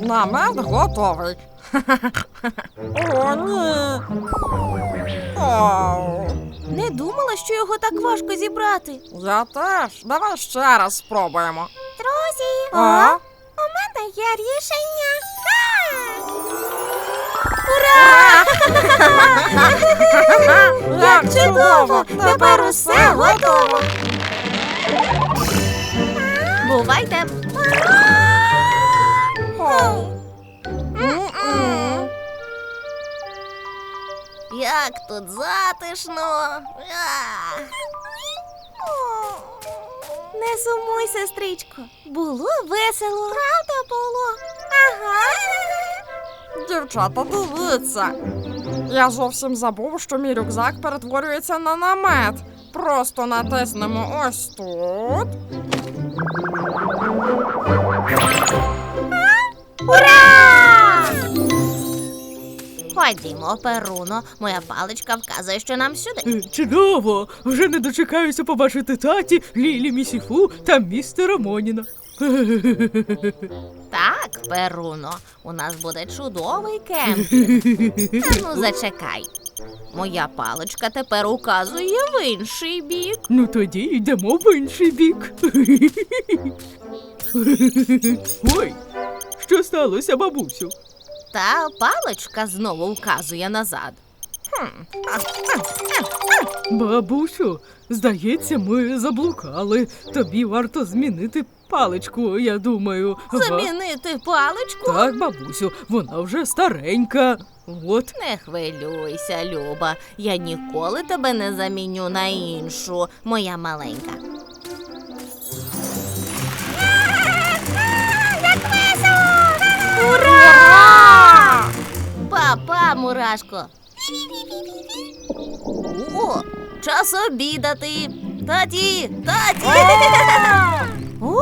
Намет готовий. О, ні. Оу. Не думала, що його так важко зібрати. Я теж. Давай ще раз спробуємо. Друзі, А? у мене є рішення. Ура! Як чудово! Тепер усе готово. Бувайте! М-м. Як тут затишно! Не сумуй, сестричко. Було весело. Правда було? Ага. Дівчата, дивіться. Я зовсім забув, що мій рюкзак перетворюється на намет. Просто натиснемо ось тут. Ура! Ходімо, Перуно. Моя паличка вказує, що нам сюди. Чудово! Вже не дочекаюся побачити таті, Лілі Місіфу та містера Моніна. Так, Перуно, у нас буде чудовий кемпінг. Та ну зачекай. Моя паличка тепер указує в інший бік. Ну тоді йдемо в інший бік. Ой, що сталося, бабусю? Та паличка знову вказує назад. Бабусю, здається, ми заблукали. Тобі варто змінити паличку, я думаю. Ага. Замінити паличку? Так, бабусю, вона вже старенька. От. Не хвилюйся, Люба. Я ніколи тебе не заміню на іншу, моя маленька. Як весело! Ура! Па-па, мурашко. О, час обідати. Таті! О!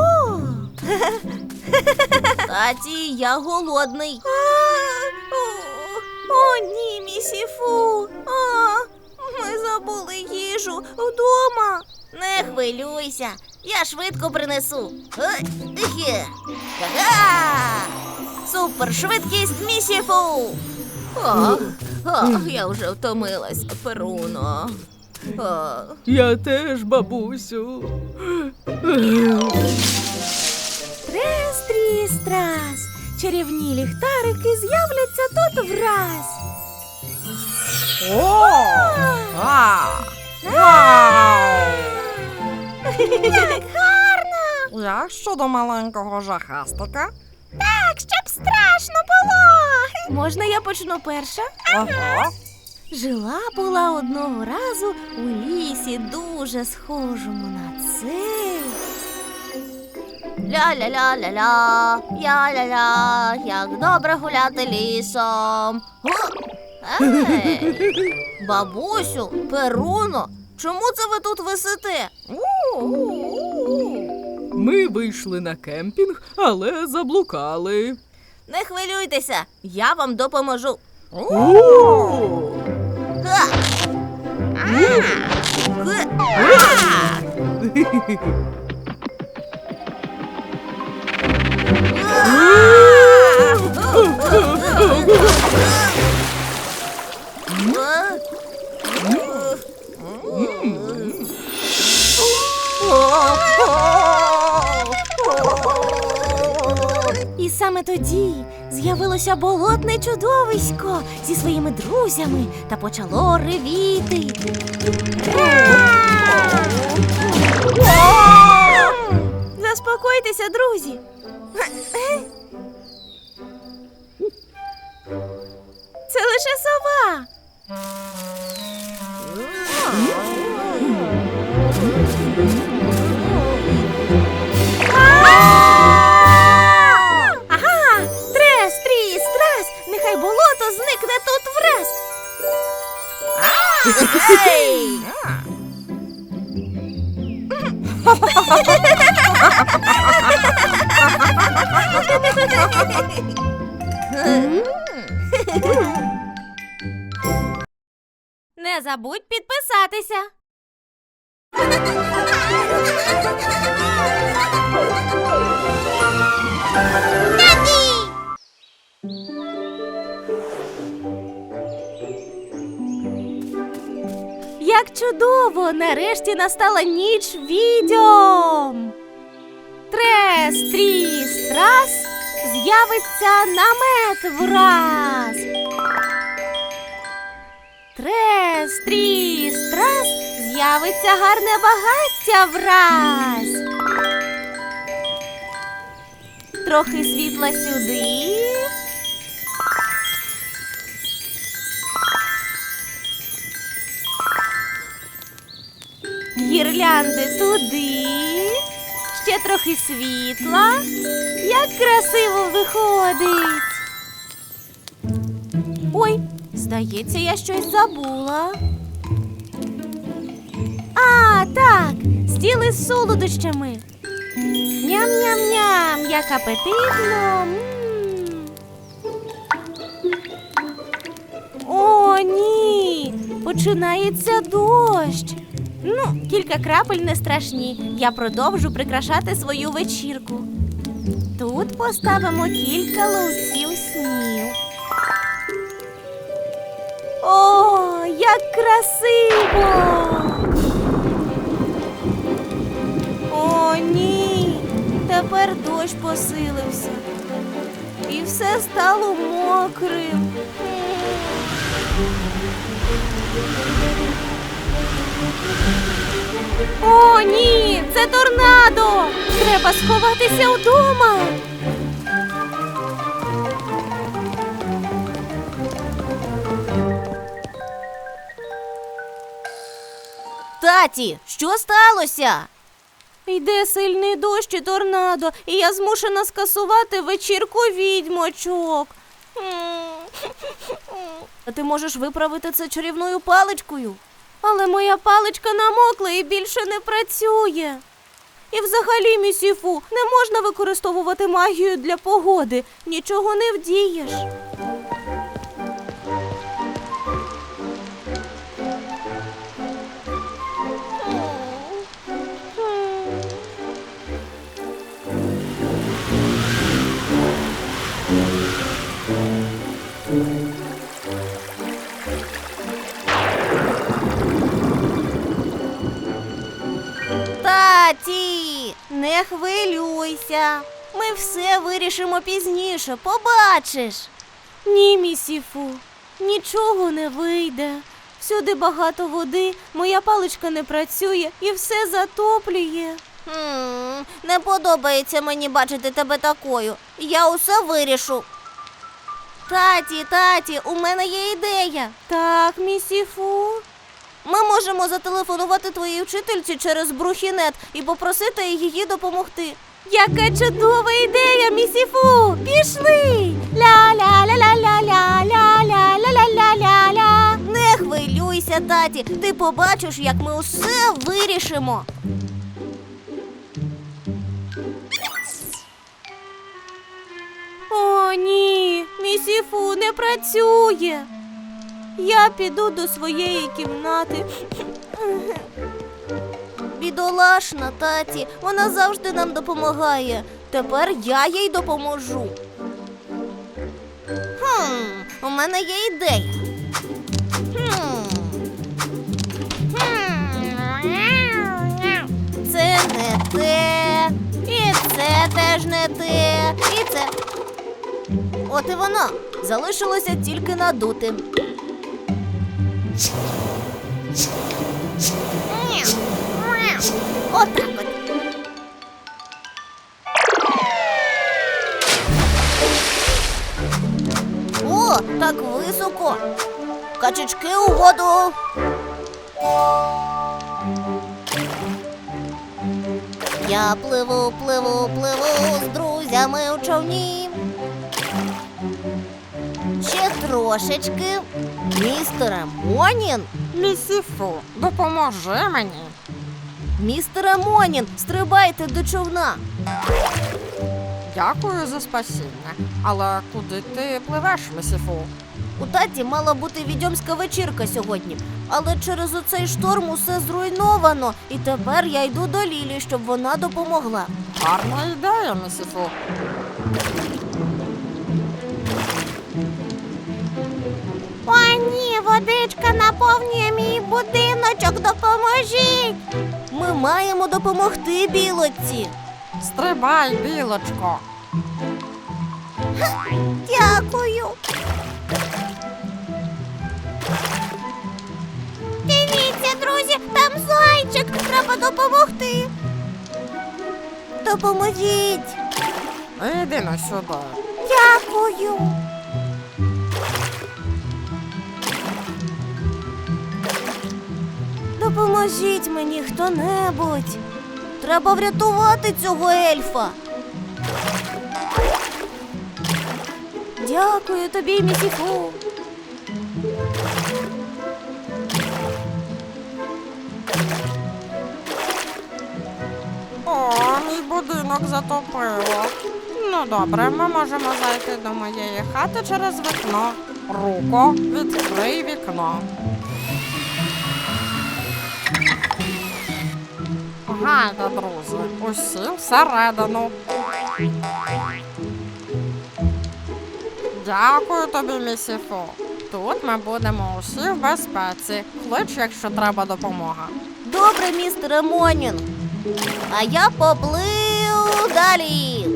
Таті, я голодний. О, ні, місіфу. Ми забули їжу вдома. Не хвилюйся, я швидко принесу. Супершвидкість місіфу. Я вже втомилась, Перуно. Я теж, бабусю. Трес-тріс-трас, чарівні ліхтарики з'являться тут враз. О! Вау! Як гарно! Як щодо маленького жахастика? Так, щоб страшно було. Можна я почну перша? Ага. Жила-була одного разу у лісі, дуже схожому на цей. Ля-ля-ля-ля-ля, я-ля-ля, як добре гуляти лісом. Ей, бабусю, Перуно, чому це ви тут висите? Ми вийшли на кемпінг, але заблукали. Не хвилюйтеся, я вам допоможу. О! Ха! І саме тоді з'явилося болотне чудовисько зі своїми друзями та почало ревіти. Заспокойтеся, друзі. Це лише сова. Ага! Трес, тріс, трас! Нехай болото зникне тут враз! Ей! Не забудь підписатися. Таті! Як чудово! Нарешті настала ніч відьом! Трес, тріс, трас, з'явиться намет враз. Трес, тріс, трас, з'явиться гарне багаття враз. Трохи світла сюди. Гірлянди туди. Ще трохи світла. Як красиво виходить. Ой, здається, я щось забула. А, так, стіл із солодощами. Ням-ням-ням, як апетитно. О, ні, починається дощ. Ну, кілька крапель не страшні. Я продовжу прикрашати свою вечірку. Тут поставимо кілька ловців снів. О, як красиво! О, ні! Тепер дощ посилився. І все стало мокрим. О, ні! Це торнадо! Треба сховатися вдома! Таті, що сталося? Йде сильний дощ і торнадо, і я змушена скасувати вечірку відьмочок. А ти можеш виправити це чарівною паличкою? Але моя паличка намокла і більше не працює. І взагалі, місіфу, не можна використовувати магію для погоди. Нічого не вдієш. Таті, не хвилюйся. Ми все вирішимо пізніше, побачиш. Ні, місіфу, нічого не вийде. Всюди багато води, моя паличка не працює і все затоплює. Не подобається мені бачити тебе такою. Я усе вирішу. Таті, у мене є ідея. Так, місіфу. Ми можемо зателефонувати твоїй вчительці через брухінет і попросити її допомогти. Яка чудова ідея, місіфу! Пішли! Ля-ля-ля-ля-ля-ля-ля-ля-ля-ля-ля-ля. Не хвилюйся, таті, ти побачиш, як ми усе вирішимо. О, ні, місіфу не працює. Я піду до своєї кімнати. Бідолашна, таті, вона завжди нам допомагає. Тепер я їй допоможу. У мене є ідея. Це не те, і це теж не те, і це. От і воно. Залишилося тільки надути. Отак от. О, так високо. Качечки у воду. Я пливу з друзями у човні. Ще трошечки. Містере Монін. Місіфу, допоможи мені. Містере Монін, стрибайте до човна. Дякую за спасіння. Але куди ти пливеш, місіфу? У таті мала бути відьомська вечірка сьогодні, але через оцей шторм усе зруйновано, і тепер я йду до Лілі, щоб вона допомогла. Гарна ідея, місіфу. О, ні, Водичка наповнює мій будиночок, допоможіть! Ми маємо допомогти білочці. Стрибай, білочко. Дякую. Дивіться, друзі, там зайчик, треба допомогти. Допоможіть. Іди на сюди. Дякую. Допоможіть мені хто-небудь. Треба врятувати цього ельфа. Дякую тобі, місіфу. О, мій будинок затопило. Ну добре, ми можемо зайти до моєї хати через вікно. Руко, відкрий вікно. Гайда, друзі, усі всередину. Дякую тобі, місіфу. Тут ми будемо усі в безпеці. Клич, якщо треба допомога. Добре, містере Монінг. А я поплив далі.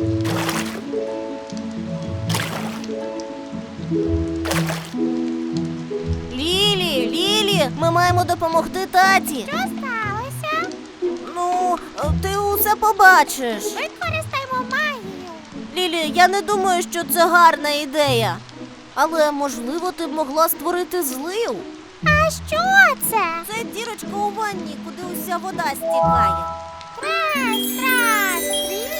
Лілі, ми маємо допомогти таті. Що сталося? Ну, ти усе побачиш. Використаємо магію. Лілі, я не думаю, що це гарна ідея. Але, можливо, ти б могла створити злив. А що це? Це дірочка у ванні, куди уся вода стікає. Раз.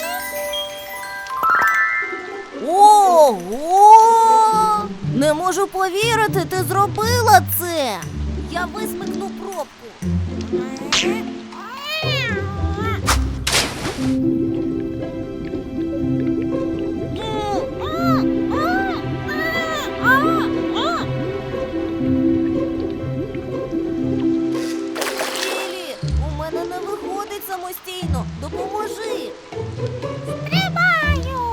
Ого! Не можу повірити, ти зробила це. Я висмикну пробку. Лілі, у мене не виходить самостійно. Допоможи. Стрибаю.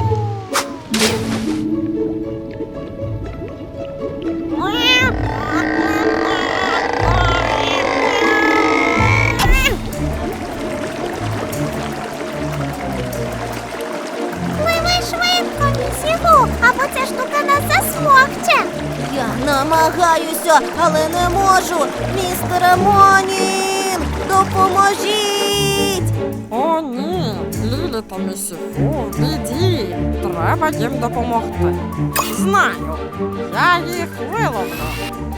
Пливи швидко, місіфу, або ця штука нас засмокче. Я намагаюся, але не можу. Містере Монінг, допоможіть! О, ні, Лілі та місіфу, біді. Треба їм допомогти. Знаю, я їх виловлю.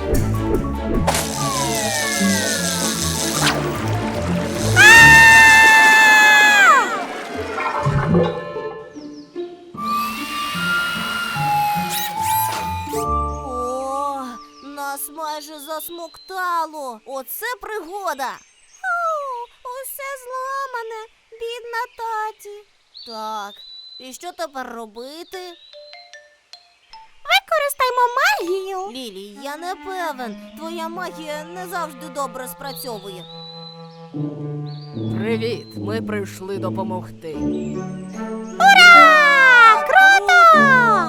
О, нас майже засмоктало. Оце пригода. Усе зламане, бідна таті. Так, і що тепер робити? Використаймо магію. Лілі, я не певен. Твоя магія не завжди добре спрацьовує. Привіт, ми прийшли допомогти. Ура! Круто!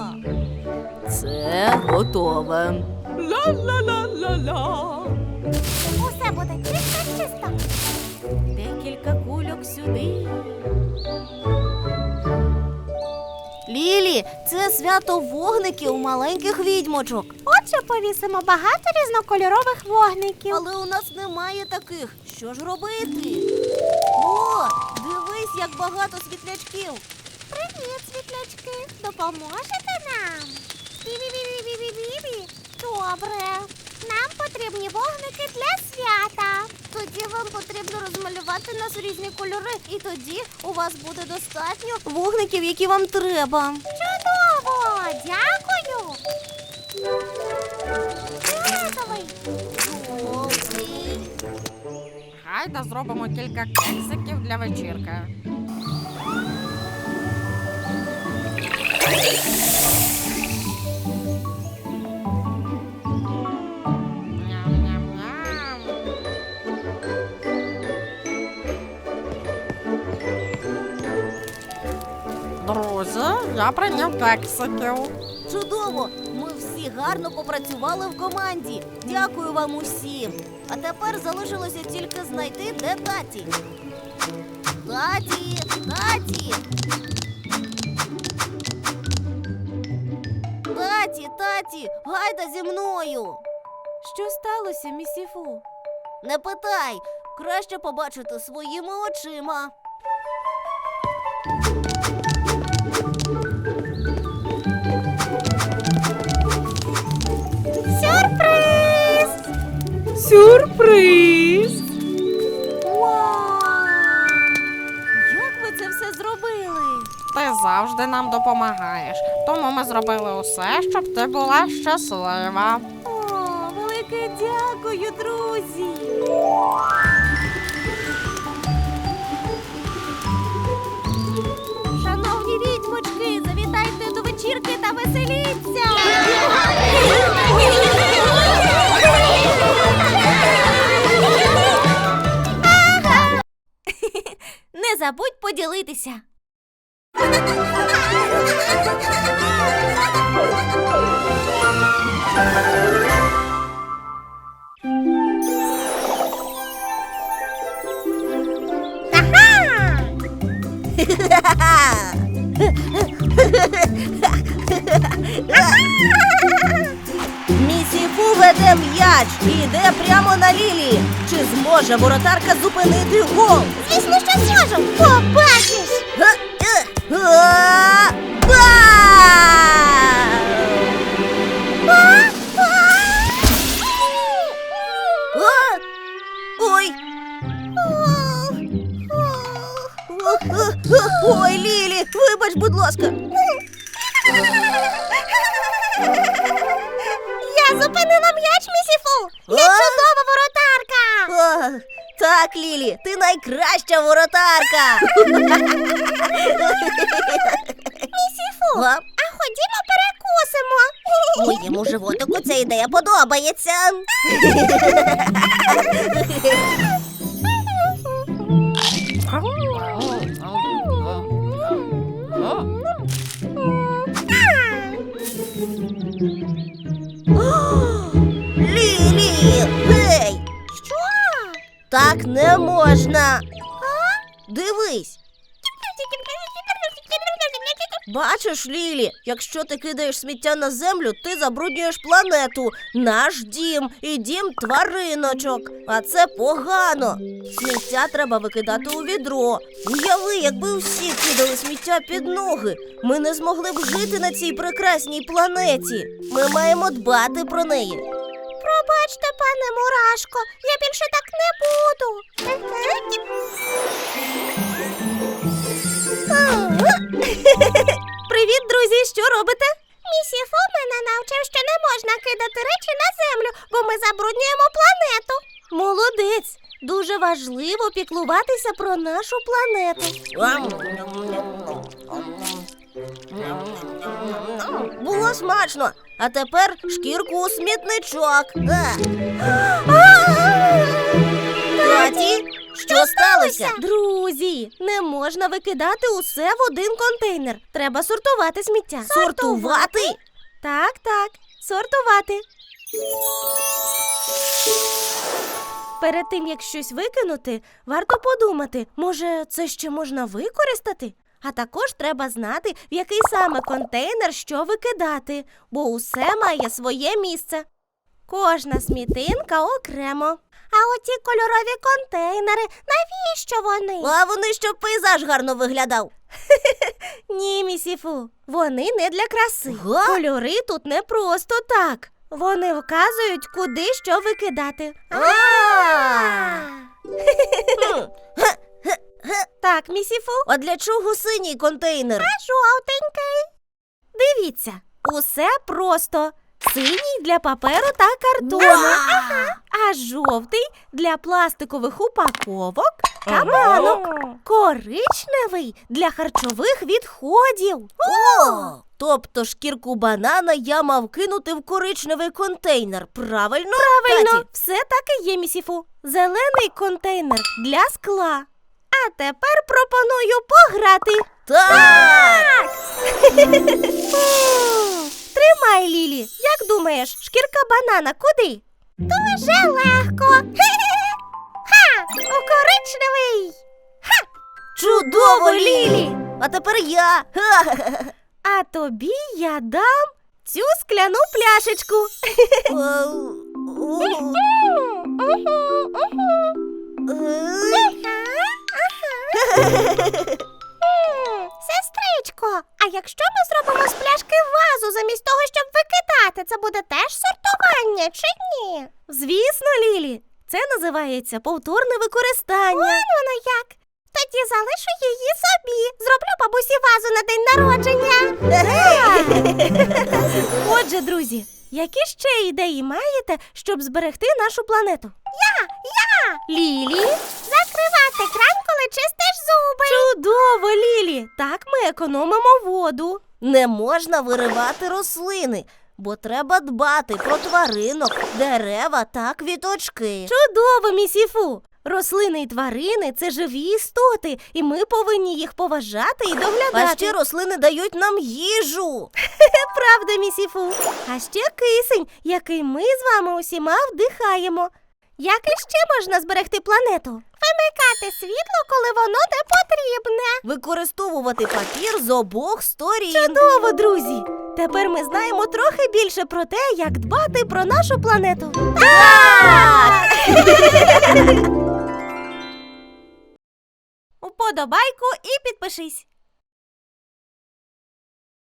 Це готове. Ла-ла-ла-ла-ла. Усе буде чисто. Декілька кульок сюди. Лілі, це свято вогників маленьких відьмочок. Отже, повісимо багато різнокольорових вогників. Але у нас немає таких. Що ж робити? О, дивись, як багато світлячків. Привіт, світлячки. Допоможете нам? Бі-бі-бі-бі-бі-бі. Добре. Нам потрібні вогники для свята. Тоді вам потрібно розмалювати нас в різні кольори, і тоді у вас буде достатньо вогників, які вам треба. Чудово! Дякую! Фіолетовий. Жовтий. Гайда зробимо кілька кексиків для вечірки. Ням-ням-ням. Друзі, я прийняв кексиків. Чудово! Ми всі гарно попрацювали в команді. Дякую вам усім. А тепер залишилося тільки знайти, де таті. Таті, таті. Таті, гайда зі мною. Що сталося, місіфу? Не питай, краще побачити своїми очима. Сюрприз! Сюрприз! Вау! Як ви це все зробили? Ти завжди нам допомагаєш, тому ми зробили усе, щоб ти була щаслива. О, велике дякую, друзі! Шановні відьмочки, завітайте до вечірки та веселіться! Не забудь поділитися! Місіфу веде м'яч і йде прямо на Лілі. Чи зможе воротарка зупинити гол? Звісно, що зможемо. Побачиш! Ой! Ой, Лілі, вибач, будь ласка. Я зупинила м'яч, місіфу. Я чудова воротарка. Так, Лілі, ти найкраща воротарка. Місіфу, а ходімо перекусимо. Моєму животику ця ідея подобається. Лілі, гей! Що? Так не можна. Дивись. Бачиш, Лілі, якщо ти кидаєш сміття на землю, ти забруднюєш планету, наш дім і дім твариночок. А це погано. Сміття треба викидати у відро. Уяви, якби всі кидали сміття під ноги. Ми не змогли б жити на цій прекрасній планеті. Ми маємо дбати про неї. Пробачте, пане Мурашко, я більше так не буду. Привіт, друзі! Що робите? Місіфу мене навчив, що не можна кидати речі на землю, бо ми забруднюємо планету. Молодець! Дуже важливо піклуватися про нашу планету. Було смачно, а тепер шкірку у смітничок. Таті, що сталося? Друзі, не можна викидати усе в один контейнер. Треба сортувати сміття. Сортувати? Так, сортувати. Перед тим, як щось викинути, варто подумати, може, це ще можна використати? А також треба знати, в який саме контейнер що викидати, бо усе має своє місце. Кожна смітинка окремо. А оці кольорові контейнери, навіщо вони? А вони, щоб пейзаж гарно виглядав. Ні, місіфу, вони не для краси. Кольори тут не просто так. Вони вказують, куди що викидати. Так, місіфу. А для чого синій контейнер? А жовтенький. Дивіться, усе просто. Синій для паперу та картону, а жовтий для пластикових упаковок та банок. Коричневий для харчових відходів. Тобто шкірку банана я мав кинути в коричневий контейнер, правильно? Правильно, Таті? Все так і є, місіфу. Зелений контейнер для скла. А тепер пропоную пограти. Так! Тримай! Тримай, Лілі. Як думаєш, шкірка банана куди? Дуже легко. Ха! У коричневий. Ха! Чудово, Лілі! А тепер я. А тобі я дам цю скляну пляшечку. Сестричко, а якщо ми зробимо з пляшки вазу замість того, щоб викидати, це буде теж сортування, чи ні? Звісно, Лілі. Це називається повторне використання. Воно як. Тоді залишу її собі. Зроблю бабусі вазу на день народження. Отже, друзі, які ще ідеї маєте, щоб зберегти нашу планету? Я! Лілі? Закривати кран, коли чистиш зуби. Чудово, Лілі! Так ми економимо воду. Не можна виривати рослини, бо треба дбати про тваринок, дерева та квіточки. Чудово, місіфу! Рослини і тварини – це живі істоти, і ми повинні їх поважати і доглядати. А ще рослини дають нам їжу. Правда, місіфу. А ще кисень, який ми з вами усіма вдихаємо. Як іще можна зберегти планету? Вимикати світло, коли воно не потрібне. Використовувати папір з обох сторін. Чудово, друзі! Тепер ми знаємо трохи більше про те, як дбати про нашу планету. Так! Уподобайку і підпишись.